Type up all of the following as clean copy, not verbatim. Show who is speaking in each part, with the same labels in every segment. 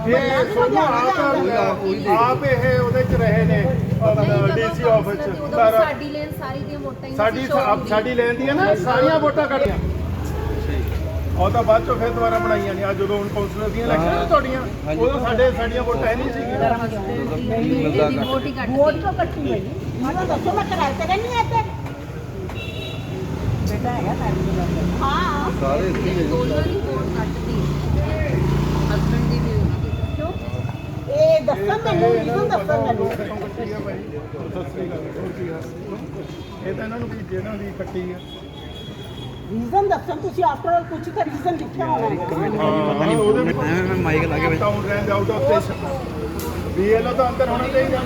Speaker 1: ਆਪ ਇਹ ਉਹਦੇ ਚ ਰਹੇ ਨੇ ਡੀਸੀ ਆਫਿਸ ਸਾਡੀ ਲੈਣ ਦੀਆਂ ਨਾ ਸਾਰੀਆਂ ਵੋਟਾਂ ਕੱਟੀਆਂ ਉਹ ਤਾਂ ਬਾਅਦ ਚੋਂ ਫਿਰ ਦੁਬਾਰਾ ਬਣਾਈਆਂ ਨੇ ਅੱਜ ਜਦੋਂ ਹੁਣ ਕੌਂਸਲਰ ਦੀਆਂ ਇਲੈਕਸ਼ਨ ਤੁਹਾਡੀਆਂ ਉਦੋਂ ਸਾਡੀਆਂ ਵੋਟਾਂ ਨਹੀਂ ਸੀਗੀਆਂ
Speaker 2: ਵੋਟ ਤੋਂ ਕੱਟੀ ਹੋਈ ਮੈਨੂੰ ਦੱਸੋ ਮੈਂ ਕਿਰਾਏ ਤੇ ਰਹਿੰਦੀ ਆ ਇੱਥੇ ਬੇਟਾ ਹੈਗਾ ਸਾਡੀ ਹਾਂ ਸਾਰੇ ਦੋਨਾਂ ਦੀ ਵੋਟ ਕੱਟਦੀ ਹਸਬੰਡ ਦੀ ਵੀ ਕਿਉਂ ਇਹ ਦੱਸੋ ਮੈਨੂੰ ਰੀਜ਼ਨ ਦੱਸੋ ਮੈਨੂੰ
Speaker 1: ਇਹ ਤਾਂ ਇਹਨਾਂ ਨੂੰ ਵੀ ਜਿਹਨਾਂ ਦੀ ਕੱਟੀ ਆ
Speaker 2: ਰੀਜ਼ਨ ਦੱਸੋ ਤੁਸੀਂ ਆਫਟਰ ਆਲ ਕੁਝ ਤਾਂ ਰੀਜ਼ਨ ਲਿਖਿਆ ਹੋਣਾ ਹੈ
Speaker 1: ਮੈਂ ਮਾਈਕ ਲਾ ਕੇ town range out of station BLO ਤਾਂ ਅੰਦਰ ਹੋਣਾ ਚਾਹੀਦਾ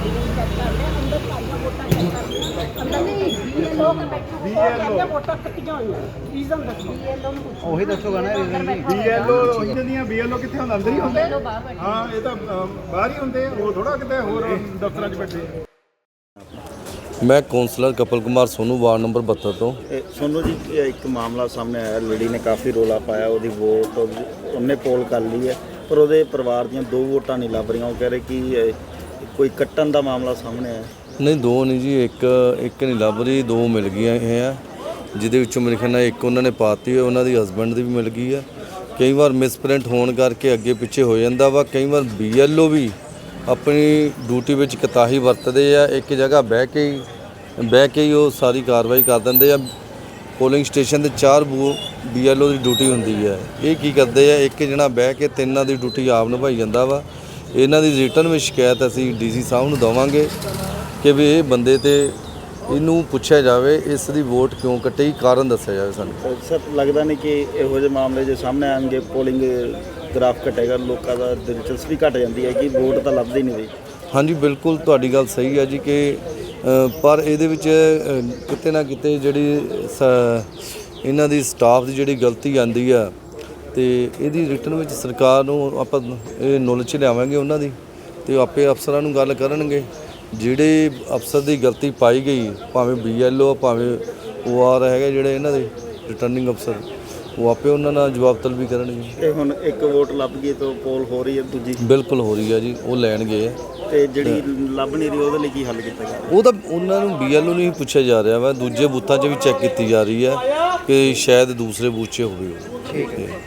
Speaker 1: ਵੋਟਾਂ ਕੱਟੀਆਂ ਹੋਈਆਂ ਰੀਜ਼ਨ ਦੱਸੋ ਬੀਐਲਓ ਨੂੰ ਪੁੱਛੋ ਉਹੀ ਦੱਸੋਗਾ ਨਾ ਰੀਜ਼ਨ ਬੀਐਲਓ ਉਹਨਾਂ ਦੀਆਂ ਬੀਐਲਓ ਕਿੱਥੇ ਹੁੰਦਾ ਅੰਦਰ ਹੀ ਹੁੰਦੇ ਹਾਂ ਇਹ ਤਾਂ ਬਾਹਰ ਹੀ ਹੁੰਦੇ ਉਹ ਥੋੜਾ ਕਿਤੇ ਹੋਰ ਦਫ਼ਤਰਾਂ 'ਚ ਬੈਠੇ
Speaker 3: मैं councillor Kapil Kumar Sonu ward number 72 तो
Speaker 4: सोनू जी एक मामला सामने आया लड़ी ने काफ़ी रौला पाया वो वोट उन्हें पोल कर ली है पर वो परिवार दी 2 वोटां नहीं लभ रही वो कह रहे कि कोई कट्टन का मामला सामने आया
Speaker 3: नहीं 2 नहीं जी एक नहीं लभ रही 2 मिल गई हैं जिहदे विचों मेरे ख्याल नाल एक उन्होंने पाती है उन्होंने हसबैंड की भी मिल गई है कई बार मिसप्रिंट होने करके अगे पिछे हो जाता वा कई बार BLO भी अपनी ड्यूटी में कोताही वरतते हैं एक जगह बह के ही वो सारी कार्रवाई कर देंगे आ पोलिंग स्टेशन से 4 BLO की ड्यूटी होंगी है ये की करते हैं एक जना बह के 3 की ड्यूटी आप निभाई जाता वा इन्हों की रिटर्न में शिकायत असी DC साहब को देवांगे कि भी ये बंदे ते इनू पूछा जाए इसकी वोट क्यों कट्टी कारण दस्या जाए सानू
Speaker 4: सर लगता नहीं कि इहो जे मामले जो सामने आएंगे पोलिंग ग्राफ घटेगा लोगों का दिलचस्पी घट जाती है कि वोट तो लभदी नहीं रही
Speaker 3: हाँ जी बिल्कुल तुहाडी गल सही है जी कि पर ये किते ना किते जिहड़ी इन्हां दी स्टाफ की जिहड़ी गलती आंदी है तो इहदी रिटर्न में सरकार नूं आपां इह नॉलेज च लियावांगे उन्हां दी ते आपे अफसरां नूं गल करनगे जिहड़े अफसर की गलती पाई गई भावें BLO भावें OR हैगे जिहड़े इन्हां दे रिटर्निंग अफसर वो आपे उन्होंने जवाब तलबी करनगे
Speaker 4: हुण एक वोट लभ गई तो पोल हो रही है दूजी
Speaker 3: बिल्कुल हो रही है जी वो लैन गए
Speaker 4: ਤੇ ਜਿਹੜੀ ਲੱਭ ਨਹੀਂ ਰਹੀ ਉਹਦੇ ਲਈ ਕੀ ਹੱਲ ਕੀਤਾ ਗਿਆ
Speaker 3: ਉਹ ਤਾਂ ਉਹਨਾਂ ਨੂੰ BLO ਨੂੰ ਹੀ ਪੁੱਛਿਆ ਜਾ ਰਿਹਾ ਵਾ ਦੂਜੇ ਬੂਥਾਂ 'ਚ ਵੀ ਚੈੱਕ ਕੀਤੀ ਜਾ ਰਹੀ ਹੈ ਕਿ ਸ਼ਾਇਦ ਦੂਸਰੇ ਬੂਥ 'ਚ ਹੋਵੇ ਠੀਕ ਹੈ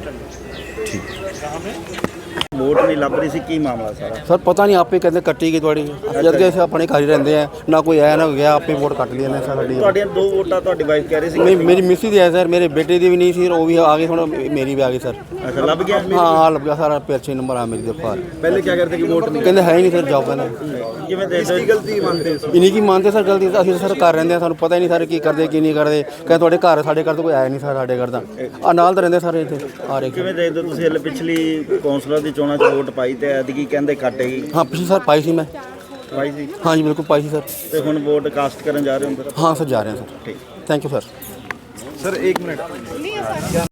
Speaker 4: वोट नहीं लभ रही सी की मामला सारा
Speaker 5: सर पता नहीं आपे कहते कट्टी गई थोड़ी जद के अपने घर ही रहते हैं ना कोई आया ना गया आपे वोट कट लिए ने सर
Speaker 4: ਤੁਹਾਡੀਆਂ 2 ਵੋਟਾਂ ਤੁਹਾਡੀ ਵਾਈਫ ਕਹਿ ਰਹੀ ਸੀ
Speaker 5: नहीं मेरी मिसी दी है सर मेरे बेटे दी भी नहीं थी वो भी आ गई थोड़ा मेरी भी आ गई सर
Speaker 4: अच्छा लभ गया
Speaker 5: हाँ लग गया सारा अच्छे नंबर आ मेरी दफा
Speaker 4: पहले क्या करते कि वोट नहीं
Speaker 5: कहते है ही नहीं सर जाओ कहने
Speaker 4: ਕਿਵੇਂ ਦੇ ਦੋ ਗਲਤੀ ਮੰਨਦੇ
Speaker 5: इन्हीं की मानते सर गलती ਅਸੀਂ ਸਰ ਕਰ ਰਹਿੰਦੇ ਆ ਸਾਨੂੰ ਪਤਾ ਹੀ ਨਹੀਂ ਸਰ ਕੀ ਕਰਦੇ ਕੀ ਨਹੀਂ ਕਰਦੇ ਕਹਿੰਦੇ ਤੁਹਾਡੇ ਘਰ ਸਾਡੇ ਘਰ ਤੋਂ ਕੋਈ ਆਇਆ ਨਹੀਂ ਸਰ ਸਾਡੇ ਘਰ ਦਾ ਆ ਨਾਲ ਤਾਂ ਰਹਿੰਦੇ ਸਾਰੇ ਇੱਥੇ ਆ ਰਹੇ
Speaker 4: ਕਿਵੇਂ ਦੇ ਦੋ ਤੁਸੀਂ ਹਲੇ ਪਿਛਲੀ ਕੌਂਸਲਰ ਦੀ ਚੋਣਾਂ 'ਚ ਵੋਟ ਪਾਈ ਤੇ ਐਤਕੀ ਕਹਿੰਦੇ ਕੱਟੇਗੀ
Speaker 5: हाँ पिछली सर पाई थी मैं
Speaker 4: ਪਾਈ ਸੀ
Speaker 5: हाँ जी बिल्कुल पाई थी सर
Speaker 4: ਤੇ ਹੁਣ ਵੋਟ ਕਾਸਟ ਕਰਨ ਜਾ ਰਹੇ ਹੋ ਅੰਦਰ
Speaker 5: हाँ सर जा रहे हैं सर
Speaker 4: ठीक
Speaker 5: thank you sir
Speaker 4: sir 1 minute